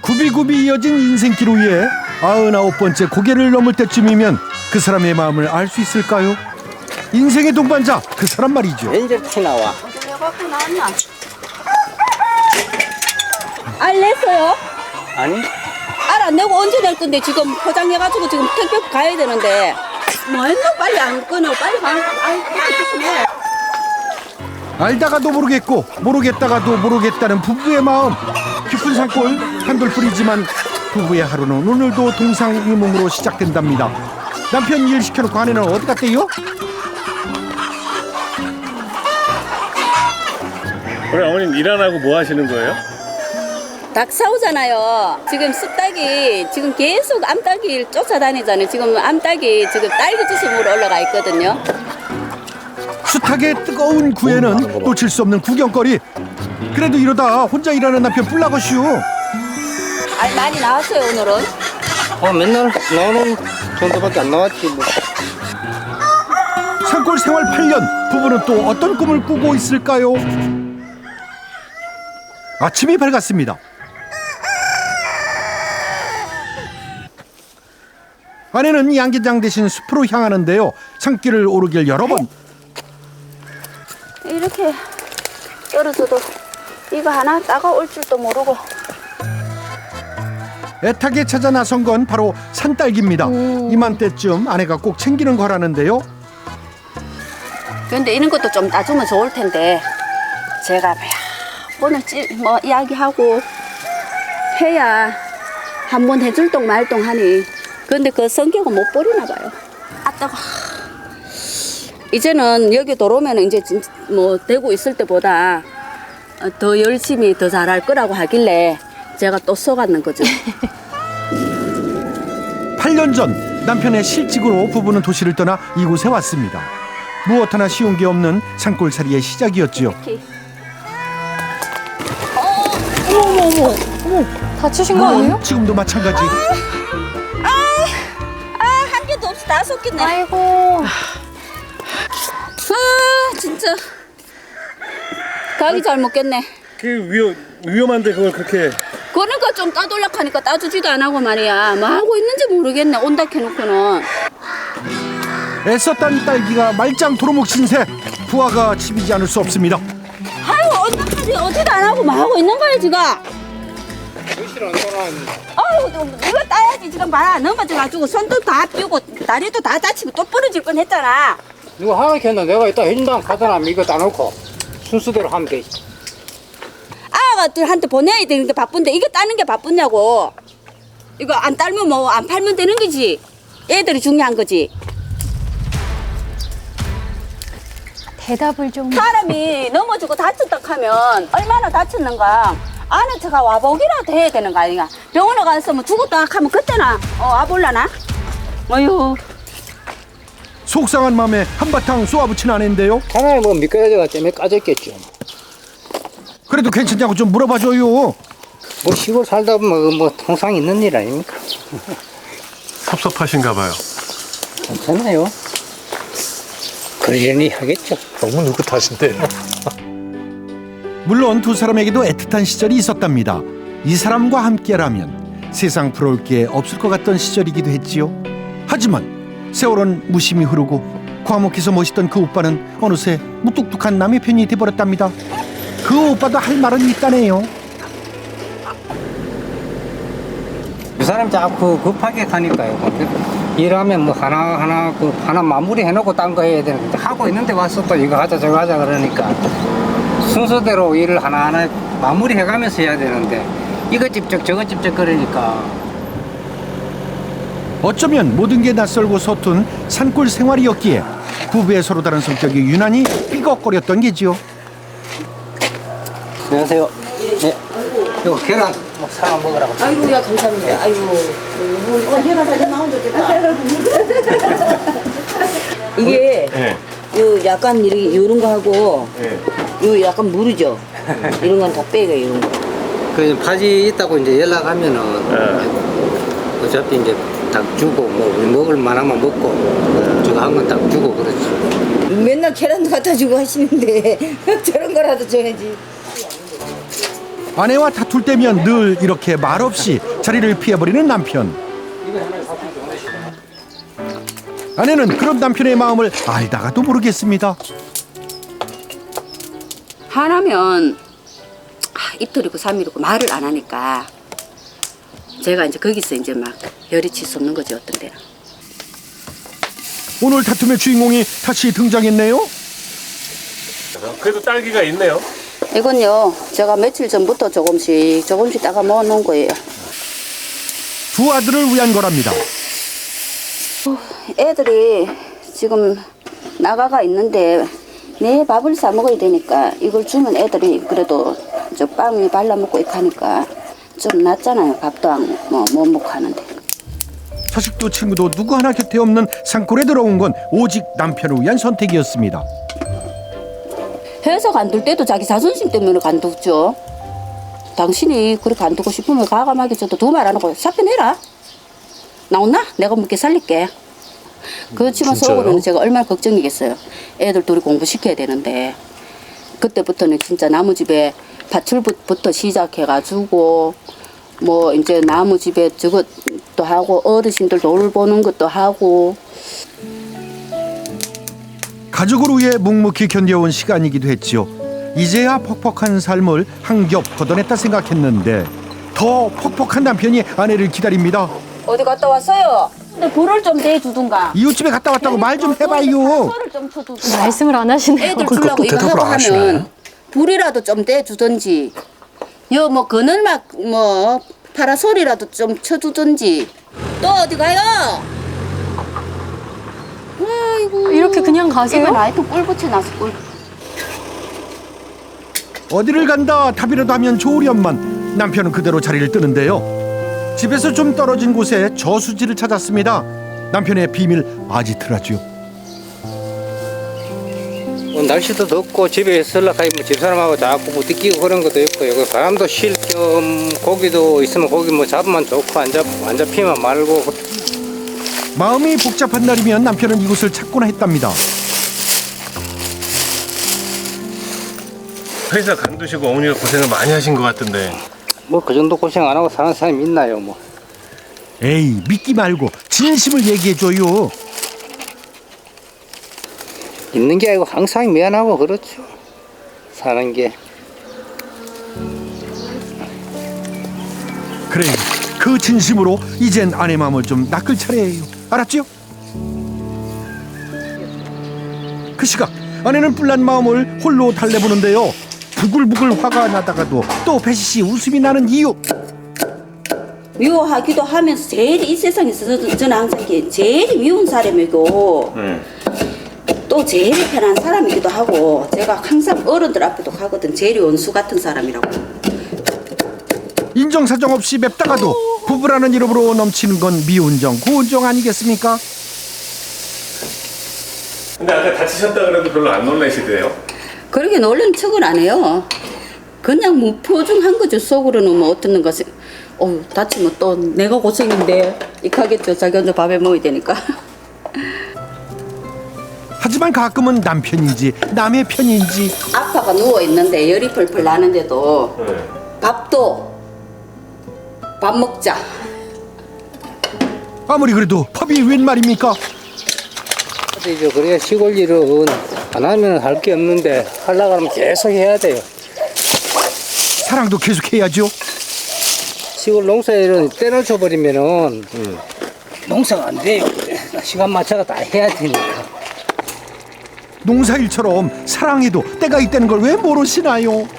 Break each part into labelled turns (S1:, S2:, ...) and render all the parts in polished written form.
S1: 굽이굽이 이어진 인생길 위에 99번째 고개를 넘을 때쯤이면 그 사람의 마음을 알 수 있을까요? 인생의 동반자 그 사람 말이죠.
S2: 왠지 티 나와.
S3: 갖고 나왔나? 알 냈어요?
S2: 아니?
S3: 알 안 내고 언제 낼 건데 지금 포장해가지고 지금 택배 가야 되는데 뭐 했노? 빨리 안 끊어 빨리 가.
S1: 알다가도 모르겠고 모르겠다가도 모르겠다는 부부의 마음. 깊은 산골 한돌뿐이지만 부부의 하루는 오늘도 동상이몽으로 시작된답니다. 남편 일 시켜놓고 아내는 어디 갔대요?
S4: 그래 어머님 일 안 하고 뭐 하시는 거예요?
S3: 닭 사오잖아요. 지금 쑥닭이 지금 계속 암탉이를 쫓아다니잖아요. 지금 암탉이 지금 딸기 주스으로 올라가 있거든요.
S1: 숱하게 뜨거운 구애는 놓칠 수 없는 구경거리. 그래도 이러다 혼자 일하는 남편 뿔나거슈.
S3: 알 많이 나왔어요 오늘은.
S2: 맨날 나오는 정도밖에 안 나왔지 뭐.
S1: 산골 생활 8년 부부는 또 어떤 꿈을 꾸고 있을까요? 아침이 밝았습니다. 아내는 양계장 대신 숲으로 향하는데요. 산길을 오르길 여러 번.
S3: 이렇게 떨어져도 이거 하나 따가올 줄도 모르고.
S1: 애타게 찾아 나선 건 바로 산딸기입니다. 이맘때쯤 아내가 꼭 챙기는 거라는데요.
S3: 근데 이런 것도 좀 따주면 좋을 텐데 제가 몇 번을 뭐 이야기하고 해야 한 번 해줄 동 말 동 하니 근데 그 성격은 못 버리나 봐요. 아따가 이제는 여기 들어오면 이제 뭐 되고 있을 때보다 더 열심히 더 잘할 거라고 하길래 제가 또 속았는 거죠.
S1: 8년 전 남편의 실직으로 부부는 도시를 떠나 이곳에 왔습니다. 무엇 하나 쉬운 게 없는 산골살이의 시작이었지요.
S5: 어머, 다치신 거 아니에요?
S1: 지금도 마찬가지.
S3: 한 개도 없이 다 속겠네.
S5: 아이고.
S3: 진짜 가기 잘 먹겠네.
S4: 그 위험한데 그걸 그렇게
S3: 그러니까 좀 따돌락 하니까 따주지도 안 하고 말이야. 뭐 하고 있는지 모르겠네. 온다 해놓고는.
S1: 애썼던 딸기가 말짱 도루묵 신세. 부하가 치비지 않을 수 없습니다.
S3: 아유 언제까지 어디도 안 하고 뭐 하고 있는 거야 지금. 아유 이거 따야지 지금 봐라. 넘어져가지고 손도 다 삐고 다리도 다 다치고 또 부러질 뻔했잖아.
S2: 누가 하나 켰나 내가 이따 해준다면 가져나면 이거 따놓고 순서대로 하면 되지.
S3: 아가들한테 보내야 되는 게 바쁜데 이거 따는 게 바쁘냐고. 이거 안 따면 뭐 안 팔면 되는 거지. 애들이 중요한 거지.
S5: 대답을 좀.
S3: 사람이 넘어지고 다쳤다 하면 얼마나 다쳤는가. 아는 척가 와보기라도 해야 되는 거 아니야. 병원에 가서 뭐 죽었다 하면 그때나 와볼라나? 어휴.
S1: 속상한 마음에 한바탕 쏘아붙인 아내인데요.
S2: 하나에 뭐 미끄러져가 때문에 까졌겠죠.
S1: 그래도 괜찮냐고 좀 물어봐줘요.
S2: 뭐 시골 살다 보면 뭐 통상 있는 일 아닙니까?
S4: 섭섭하신가 봐요.
S2: 괜찮아요. 그러려니 하겠죠.
S4: 너무 느긋하신데.
S1: 물론 두 사람에게도 애틋한 시절이 있었답니다. 이 사람과 함께라면 세상 부러울 게 없을 것 같던 시절이기도 했지요. 하지만 세월은 무심히 흐르고 과묵해서 멋있던 그 오빠는 어느새 무뚝뚝한 남의 편이 돼버렸답니다. 그 오빠도 할 말은 있다네요.
S2: 이 사람 자꾸 급하게 가니까요. 일하면 뭐 하나 마무리 해놓고 딴 거 해야 되는데 하고 있는데 와서 또 이거 하자 저거 하자 그러니까 순서대로 일을 하나하나 마무리 해가면서 해야 되는데 이거 집적 저거 집적 그러니까
S1: 어쩌면 모든 게 낯설고 서툰 산골 생활이었기에 부부의 서로 다른 성격이 유난히 삐걱거렸던 게지요.
S2: 안녕하세요. 네. 이거 계란 뭐 사람 먹으라고.
S3: 아이고야 감사합니다. 아이고. 해가 사진 나온 좋겠다. 이게
S4: 네.
S3: 요 약간 이런 거 하고
S4: 네.
S3: 요 약간 무르죠. 이런 건 다 빼가 이런 거.
S2: 그 바지 있다고 이제 연락하면은 어차피 이제 닭 주고 뭐 우리 먹을 만하면 먹고 저거 한 건 닭 주고 그렇지.
S3: 맨날 계란도 갖다 주고 하시는데 저런 거라도 줘야지.
S1: 아내와 다툴 때면 늘 이렇게 말없이 자리를 피해버리는 남편. 아내는 그런 남편의 마음을 알다가도 모르겠습니다.
S3: 화나면 이틀이고 3일이고 말을 안 하니까 제가 이제 거기서 이제 막 열이 치솟는 거지 어떤 데는.
S1: 오늘 다툼의 주인공이 다시 등장했네요.
S4: 그래도 딸기가 있네요.
S3: 이건요 제가 며칠 전부터 조금씩 따가 모아 놓은 거예요.
S1: 두 아들을 위한 거랍니다.
S3: 애들이 지금 나가가 있는데 내 밥을 사 먹어야 되니까 이걸 주면 애들이 그래도 저 빵에 발라 먹고 이렇게 하니까 좀 낫잖아요. 밥도 못 먹고 하는데.
S1: 자식도 친구도 누구 하나 곁에 없는 산골에 들어온 건 오직 남편을 위한 선택이었습니다.
S3: 회사 간둘 때도 자기 자존심 때문에 간두죠. 당신이 그렇게 간두고 싶으면 과감하게 저도 두 말 안 하고 사표 내라. 나온나? 내가 먹게 살릴게. 그렇지만
S4: 진짜요?
S3: 속으로는 제가 얼마나 걱정이겠어요. 애들 둘이 공부시켜야 되는데 그때부터는 진짜 나무 집에 밭출부터 시작해가지고 뭐 이제 나무 집에 저것도 하고 어르신들 돌보는 것도 하고.
S1: 가족을 위해 묵묵히 견뎌온 시간이기도 했지요. 이제야 퍽퍽한 삶을 한 겹 걷어냈다 생각했는데 더 퍽퍽한 남편이 아내를 기다립니다.
S3: 어디 갔다 왔어요? 근데 불을 좀 대주든가.
S1: 이웃집에 갔다 왔다고 말 좀 해봐요.
S3: 불을 좀 쳐주든가.
S5: 말씀을 안 하시네요.
S3: 애들
S4: 그러니까
S3: 주려고
S4: 또
S3: 이거
S4: 대답을
S3: 하고
S4: 안 하시네.
S3: 하면 불이라도 좀 떼주든지 여 뭐 그늘막 뭐 파라솔이라도 좀 쳐주든지. 또 어디 가요? 아이고
S5: 이렇게 그냥 가세요?
S3: 이거 라이트 꿀 붙여놨어 꿀.
S1: 어디를 간다 답이라도 하면 좋으련만 남편은 그대로 자리를 뜨는데요. 집에서 좀 떨어진 곳에 저수지를 찾았습니다. 남편의 비밀 아지트라죠.
S2: 날씨도 덥고 집에 있으려고 하면 집사람하고 자꾸 부딪히고 그런 것도 있고 여기 바람도 쉴 겸 고기도 있으면 고기 뭐 잡으면 좋고 안 잡히면 말고.
S1: 마음이 복잡한 날이면 남편은 이곳을 찾곤 했답니다.
S4: 회사 간두시고 어머니가 고생을 많이 하신 것 같은데.
S2: 뭐 그 정도 고생 안 하고 사는 사람이 있나요 뭐.
S1: 에이 믿기 말고 진심을 얘기해줘요.
S2: 있는 게 아니고 항상 미안하고 그렇죠. 사는 게.
S1: 그래 그 진심으로 이젠 아내 마음을 좀 낚을 차례예요. 알았죠? 그 시각 아내는 뿔난 마음을 홀로 달래보는데요. 부글부글 화가 나다가도 또 배시시 웃음이 나는 이유.
S3: 미워하기도 하면서 제일 이 세상에서 저는 항상 이게 제일 미운 사람이고 또 제일 편한 사람이기도 하고 제가 항상 어른들 앞에도 가거든. 제일 원수 같은 사람이라고.
S1: 인정사정 없이 맵다가도 부부라는 이름으로 넘치는 건 미운정 고운정 아니겠습니까?
S4: 근데 아까 다치셨다 그래도 별로 안 놀라시대요.
S3: 그렇게 놀란 척을 안 해요. 그냥 무표정한 거죠. 속으로는 뭐 어떤 것이 다치면 또 내가 고생인데 이렇게 하겠죠. 자기 혼자 밥에 먹어야 되니까.
S1: 하지만 가끔은 남편인지 남의 편인지
S3: 아빠가 누워 있는데 열이 펄펄 나는데도 밥 먹자.
S1: 아무리 그래도 법이 웬 말입니까?
S2: 이제 그래야 시골 일은 안 하면 할 게 없는데 하려고 하면 계속 해야 돼요.
S1: 사랑도 계속해야죠.
S2: 시골 농사 일은 떼놓쳐 버리면은 농사가 안 돼요. 시간 맞춰가 다 해야 되니까.
S1: 농사일처럼 사랑해도 때가 있다는 걸 왜 모르시나요?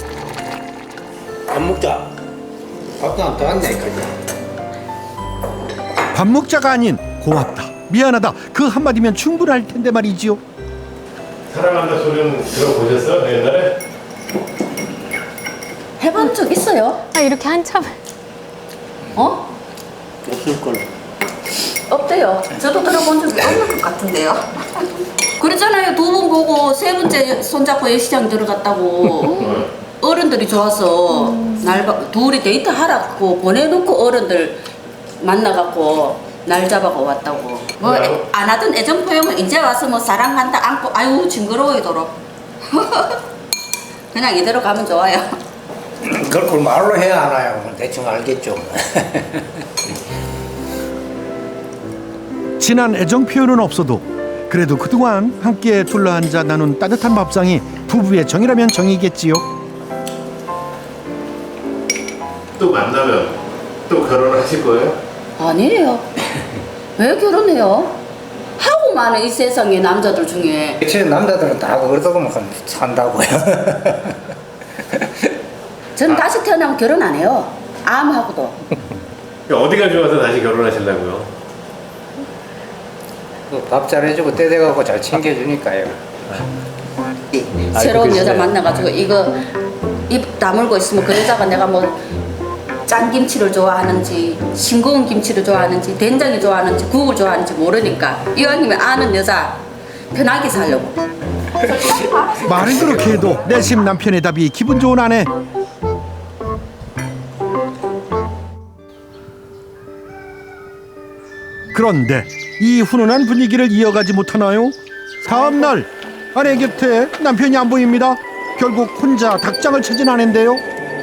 S2: 밥 먹자. 밥도 안 떠왔냐니까.
S1: 밥 먹자가 아닌 고맙다 미안하다 그 한마디면 충분할 텐데 말이지요.
S4: 사랑한다 소리는 들어보셨어요 옛날에?
S3: 해본 적 있어요?
S5: 아, 이렇게 한참을.
S3: 어?
S2: 없을 걸로.
S3: 없대요. 저도 들어본 적이 없는 것 같은데요. 그랬잖아요. 두 번 보고 세 번째 손잡고 예시장 들어갔다고. 어른들이 좋아서 둘이 데이트 하라고 보내놓고 어른들 만나갖고 날 잡아가 왔다고. 뭐 안 하던 애정 표현은 이제 와서 뭐 사랑한다 안고 아유 징그러워이도록. 그냥 이대로 가면 좋아요.
S2: 그걸 말로 해야 알아요. 대충 알겠죠.
S1: 진한 애정 표현은 없어도 그래도 그동안 함께 둘러앉아 나눈 따뜻한 밥상이 부부의 정이라면 정이겠지요.
S4: 또 만나면 또 결혼을 하실 거예요?
S3: 아니에요. 왜 결혼해요? 하고 많은 이 세상에 남자들 중에.
S2: 제 남자들은 다 그러다 보면 산다고요.
S3: 저는 다시 태어나면 결혼 안 해요. 암하고도.
S4: 어디가 좋아서 다시 결혼하시려고요?
S2: 밥 잘해주고 때 돼가고 잘 챙겨주니까요.
S3: 새로운 여자 만나가지고 이거 입 다물고 있으면 그 여자가 내가 뭐 짠김치를 좋아하는지 싱거운 김치를 좋아하는지 된장이 좋아하는지 국을 좋아하는지 모르니까 이왕이면 아는 여자 편하게 살려고.
S1: 말은 그렇게 해도 내심 남편의 답이 기분 좋은 아내. 그런데 이 훈훈한 분위기를 이어가지 못하나요? 다음 날 아내 곁에 남편이 안 보입니다. 결국 혼자 닭장을 찾은 아내인데요.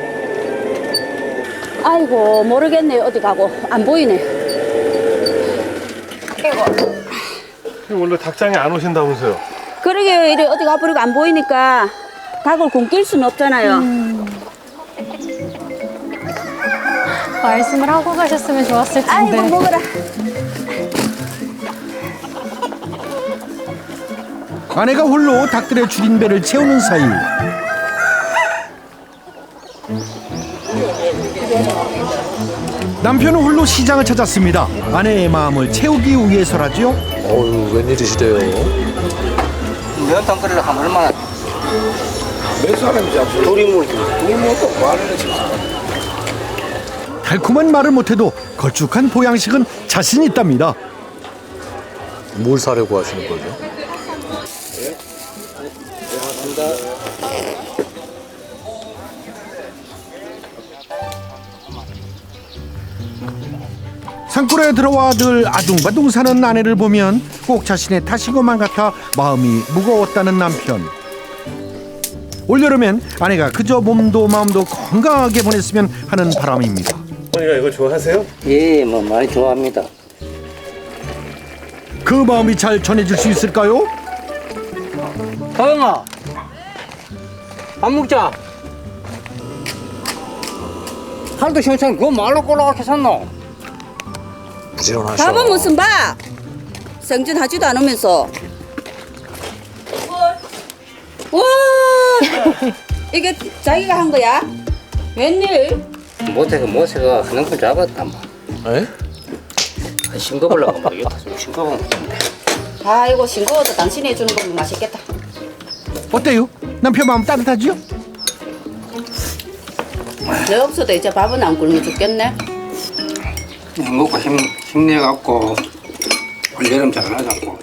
S3: 아이고 모르겠네요. 어디 가고 안 보이네.
S4: 원래 닭장에 안 오신다면서요?
S3: 그러게요. 이래 어디 가버리고 안 보이니까 닭을 굶길 수는 없잖아요.
S5: 말씀을 하고 가셨으면 좋았을 텐데.
S3: 아이고 먹어라.
S1: 아내가 홀로 닭들의 줄인 배를 채우는 사이 남편은 홀로 시장을 찾았습니다. 아내의 마음을 채우기 위해서라죠.
S6: 어유 웬일이시래요?
S2: 면탕 끓이려 하면 얼마나
S6: 몇 사람이지 앞서?
S2: 둘이 물지.
S6: 또 말을 했지.
S1: 달콤한 말을 못해도 걸쭉한 보양식은 자신 있답니다.
S6: 뭘 사려고 하시는 거죠?
S1: 산골에 들어와 늘 아둥바둥 사는 아내를 보면 꼭 자신의 탓인 것만 같아 마음이 무거웠다는 남편. 올여름엔 아내가 그저 몸도 마음도 건강하게 보냈으면 하는 바람입니다.
S4: 어머니가 이거 좋아하세요?
S2: 예, 뭐 많이 좋아합니다.
S1: 그 마음이 잘 전해질 수 있을까요?
S2: 서영아, 밥 먹자. 살도 시원찮게 그거 말로 꼬라박혀 샀노?
S6: 부지런하셔.
S3: 밥은 무슨 밥? 생진하지도 않으면서. 와, 이게 자기가 한 거야? 웬일?
S2: 모세가 하는 걸 잡았단 말.
S6: 에?
S2: 싱거우려고 막 이거 좀 싱거운 건데.
S3: 아이고 싱거워도 당신이 해주는 거면 맛있겠다.
S1: 어때요? 남편 마음 따뜻하지요?
S3: 내 없어도 이제 밥은 안 굶어 죽겠네.
S2: 먹고 힘내갖고 올여름 잘 나자고.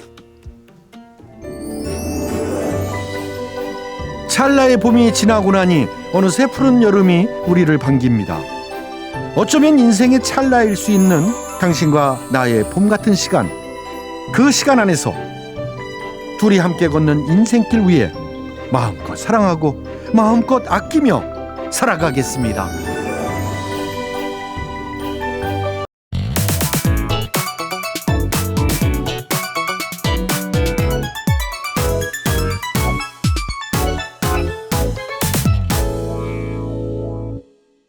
S1: 찰나의 봄이 지나고 나니 어느새 푸른 여름이 우리를 반깁니다. 어쩌면 인생의 찰나일 수 있는 당신과 나의 봄 같은 시간. 그 시간 안에서 둘이 함께 걷는 인생길 위에 마음껏 사랑하고 마음껏 아끼며 살아가겠습니다.